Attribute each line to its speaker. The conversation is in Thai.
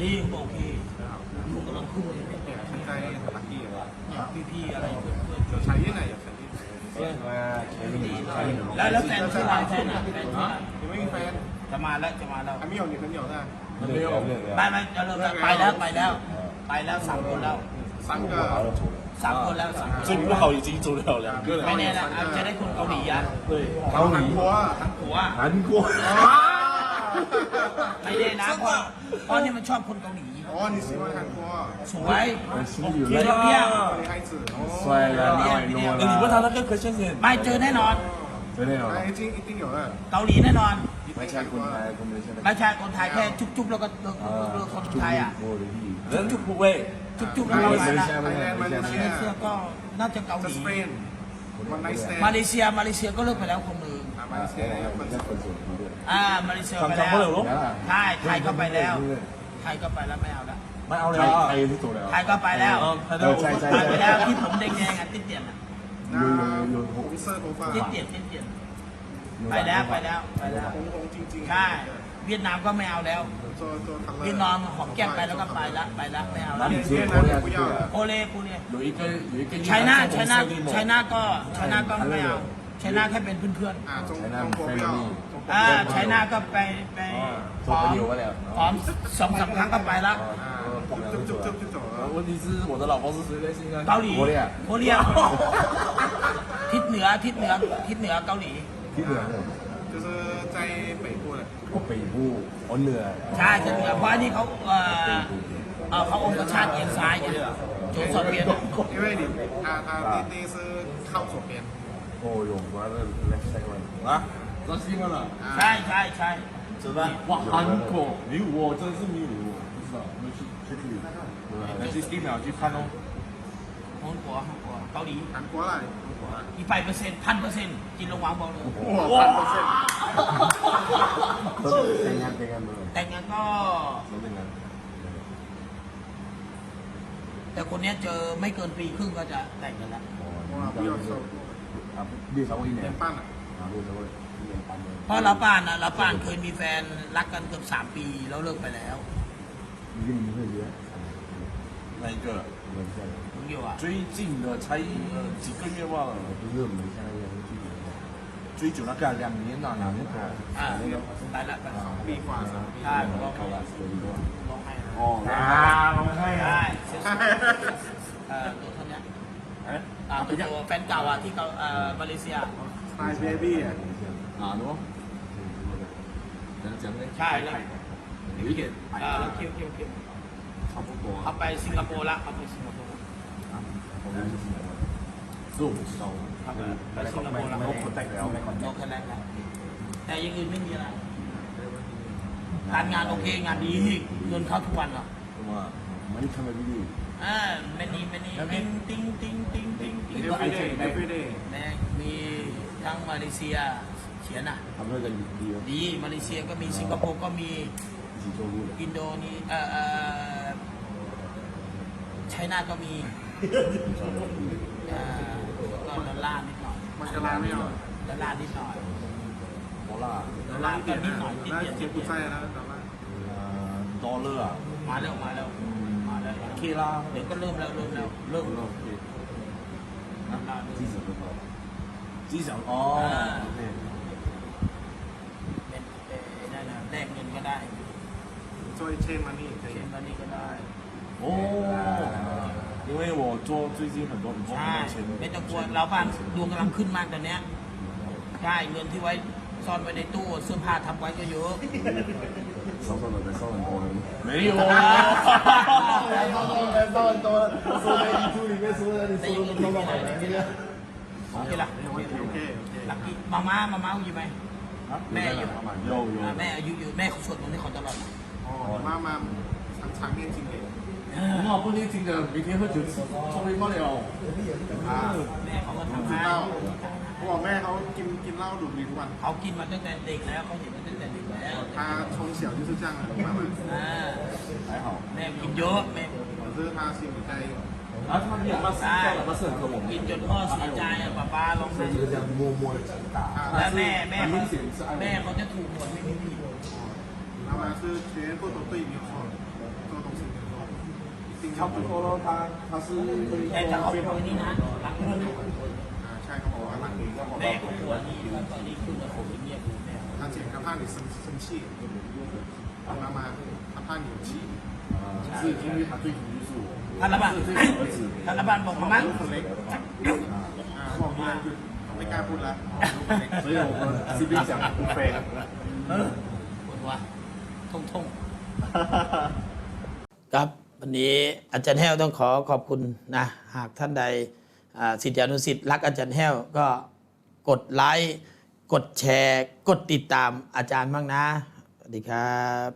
Speaker 1: ดีผมโอเคผมกำลังขึ้นเลยเนี่ย
Speaker 2: 现在打地了，
Speaker 1: พี่ๆอะไรเพื่อน
Speaker 2: 有产业呢，有产业。
Speaker 1: แล้วแฟนชื่ออะไรแฟนอ่ะแฟนชื่ออะไร
Speaker 2: 有没有翻？
Speaker 1: จะมาแล้ว
Speaker 2: 还没有女朋友的，
Speaker 3: 没有，
Speaker 1: ไม่จะเริ่มไปแล้ว3 คนแล้ว
Speaker 2: 三个。
Speaker 1: 3 คนแล้ว3 คน
Speaker 3: 最不好已经走了2个了。
Speaker 1: ไม่แน่นะจะได้คนเกาหลีอ่ะ
Speaker 3: 对，
Speaker 2: 韩国啊，
Speaker 1: หัว
Speaker 3: 韩国。
Speaker 1: ไม่แน่นะเพราะนี่มันชอบคนเกาหลี
Speaker 2: 哦，你喜欢韩国？
Speaker 1: สวย
Speaker 3: 天
Speaker 1: 漂亮
Speaker 2: 女孩子。哦。
Speaker 3: 帅了，你问他那个可先生，
Speaker 1: ไม่เจอแน่นอน
Speaker 3: 真的有。
Speaker 2: 哎，一定有的。
Speaker 1: เกาหลีแน่นอน
Speaker 3: ไม่ใช่คนไทยคนไม่ใช่
Speaker 1: ไม่ใช่คนไทยแค่จุ๊บๆแล้วก็เลิกคนไทยอ่ะ
Speaker 3: 人就不会，
Speaker 1: จุ๊บๆแล้วก็ไปละ
Speaker 2: ไทยแลนด์มาเล
Speaker 1: มา
Speaker 2: เซี
Speaker 1: เลย เซียก็น่าจะเกาห
Speaker 2: จะ
Speaker 1: ลี
Speaker 2: สเปนวันไนท์สแตน
Speaker 1: มาเลเซียก็เลิกไปแล้วคนหนึ่ง
Speaker 2: มาเลเซียคนส
Speaker 1: มาเลเซียไปแล้วใช่ไทยก็ไปแล้วไทยก็ไปแล้วไม่เอาละ
Speaker 3: ไม่เอาแล้วไทยที่ตัวแล้ว
Speaker 1: ไทยก็ไปแล้ว
Speaker 3: ใช่ใช่
Speaker 1: ไปแล้วที่ผมแดงๆอ่ะติ๊ดเตียนอ่ะ
Speaker 2: 红色头发
Speaker 1: ติ๊ดเตียนไปแล้ว
Speaker 2: 红จริงๆ
Speaker 1: ใช่เวียดนามก็ไม่เอาแล้ว
Speaker 2: ตัวคัลเลอร์
Speaker 1: เวียดนามหอมแก้มไปแล้วก็ไปละไม่เอาละ
Speaker 3: 你接国家去了，
Speaker 1: โอเล่กูเนี่ย
Speaker 3: 有一个
Speaker 1: ไชน่าก็ไม่เอาไชน่าแค่เป็นเพื่อน
Speaker 2: 中國不要
Speaker 1: ไชน่าก็ไป
Speaker 3: 做朋友不了。
Speaker 1: หอม2-3 ครั้งก็ไปละ
Speaker 2: 就走了
Speaker 3: 问题是我的老婆是谁嘞？现在
Speaker 1: เกาหลี
Speaker 3: โคเรีย
Speaker 1: โคเรียทิศเหนือเกาหลี
Speaker 3: ที่เหนือ
Speaker 2: 就是在北部的
Speaker 3: 北部อ๋อเหนือ
Speaker 1: ใช่จะเหนือเพราะนี่เขาเขาองคชาติเอียงซ้ายไงโจสอบเปลี่ยน
Speaker 2: 因为你他是靠左边
Speaker 3: โอ้ยงว่าแล้วใช่ไหม啊这是新闻了
Speaker 1: ใช่
Speaker 3: 真的哇韩国没有我真是没有不知道没去去那去1秒去看哦
Speaker 1: ฮ่องกงเกาหลี
Speaker 2: 韩国啦
Speaker 1: กี่ไป1,000%กินลงวางบอกเลย
Speaker 2: 哇1,000%
Speaker 3: แต่งงานเลย
Speaker 1: แต่งงานก็
Speaker 3: แต่งงาน
Speaker 1: แต่คนนี้เจอไม่เกินปีครึ่งก็จะแต่งกันแล้ว
Speaker 2: 哇不要收
Speaker 3: เบี้ยสาวอีเนี่ย
Speaker 2: 年半了
Speaker 3: เบี้ยสาวอี年半เลย
Speaker 1: เพราะเราป่านเคยมีแฟนรักกันเกือบ3 ปีแล้วเลิกไปแล้ว
Speaker 3: 你跟你会约那一个
Speaker 1: ผมอยู่อ่ะ
Speaker 3: 最近的才几个月吧不是我们现在追久那个2年了2年多
Speaker 1: 那个ไปละ
Speaker 2: ปีกว่า3 ปี
Speaker 1: ใช่ผมก็ร้องไห้
Speaker 3: 哦ร้องไห้
Speaker 1: ใช่ตัวเท่านี้ตัวแฟนเก่าอ่ะที่เขามาเลเซีย
Speaker 2: สไตล์เบบี้อ่ะ
Speaker 3: 너讲嘞
Speaker 1: ใช่แล้ว
Speaker 3: 有一点
Speaker 1: คิว
Speaker 3: 差不多
Speaker 1: เขาไปสิงคโปร์ละเขาไปสิงคโปร์
Speaker 3: 是我不知道
Speaker 1: เขาไปสิงคโปร์ละ
Speaker 3: 我不代表
Speaker 1: โอเคแล้วแต่ยังอื่นไม่มีอะไรการงานโอเคงานดีเงินเข้าทุกวันเหรอ
Speaker 3: 什么많이看个video
Speaker 1: ไม่นี่ติ้ง
Speaker 2: everyday
Speaker 1: แม่มีทั้งมาเลเซียเขียนอ่ะ
Speaker 3: 他们那个
Speaker 1: ดีมาเลเซียก็มีสิงคโปร์ก็มี
Speaker 3: 一起做路的
Speaker 1: อินโดนีไชน่าก็มีก็ดอลลาร์นิดหน่อย
Speaker 2: มันจะลาไม่เอา
Speaker 1: ดอลลาร์นิดหน่อย
Speaker 3: ดอลลาร์
Speaker 1: ดอลลาร์ก็นิดหน่อยนิด
Speaker 2: น่า
Speaker 1: เดียว
Speaker 2: เจ็บกุไส้แล้วแต่ว่า
Speaker 3: ดอลลาร์
Speaker 1: มาแล้ว
Speaker 3: เคล่า
Speaker 1: เดี๋ยวก็เริ่มแล้ว
Speaker 3: เริ่ม记者的机长哦
Speaker 1: แลกเงินก็ได้
Speaker 2: ช่วยเชนมานี่
Speaker 1: เช่นวันนี้ก็ได้
Speaker 3: 哦因为我做最近很多
Speaker 1: ใช่ไม่ต้องกลัวเราบ้านดวงกำลังขึ้นมากตอนเนี้ยใช่เงินที่ไว้ซ่อนไว้ในตู้เสื้อผ้าทำไว้ก็เยอะ
Speaker 3: 少少的烧很多没有啊烧很多说在衣橱里面说的你说的都到哪来这个
Speaker 1: โอเคละ
Speaker 2: โอเค
Speaker 1: ลักกี้มาม่าอยู่ไหมแม่อยู่แม่อายุอยู่แม่เขาสวดมนต์ให้เขาตลอด
Speaker 2: อ๋อมา常念经典
Speaker 3: 很好不念经的每天喝酒吃抽烟不了
Speaker 1: แม่เขาก็ทำให้
Speaker 2: เหล้าเขาบอกแม่เขากินเหล้าดูดบุหรี่ทุกวัน
Speaker 1: เขากินมาตั้งแต่เด็กแล้วเขาเห็นมาตั้งแต่เด็กแล้ว
Speaker 2: 他从小就是这样的妈妈
Speaker 3: 还好
Speaker 1: แม่กินเยอะแม่
Speaker 2: 可是他心里在
Speaker 3: 然后他们也妈死掉了他是很和我们
Speaker 1: กินจนพ่อเสียใจอ่ะป้าลองดู
Speaker 3: 就这样默默的长大
Speaker 1: แล้วแม่
Speaker 3: 很明显是爱
Speaker 1: แม่เขาจะถูกหวยไม่มีผิด
Speaker 2: 妈妈是全部都对没有错做ริงๆ
Speaker 3: 差不多咯，它是可以
Speaker 1: แต่ถ้าครอบ
Speaker 3: 非
Speaker 1: ครัว
Speaker 3: 常
Speaker 1: นี้นะรักเงิน
Speaker 2: ใช่เขาบอกว่าหลังนี้ก็บอก
Speaker 1: แม่
Speaker 2: ว่า
Speaker 1: ครอบครัวนี้อยู่ตอนนี้คือผมเงียบดูแม่
Speaker 2: 他检查判你生气，妈妈他判你有气，
Speaker 3: 是因为他最终就是我，
Speaker 1: ท่านละบ้าน
Speaker 3: 是这个儿子，
Speaker 1: ท่านละบ้านบอกมามั้ง
Speaker 2: คนเล็กบอกมาเขาไม่กล้าพูดละ
Speaker 3: 所以我们这边讲不飞。
Speaker 1: ปวดหัวทงครับวันนี้อาจารย์แห้วต้องขอขอบคุณนะหากท่านใดศิษยานุศิษย์รักอาจารย์แห้วก็กดไลค์กดแชร์ กดติดตามอาจารย์บ้างนะสวัสดีครับ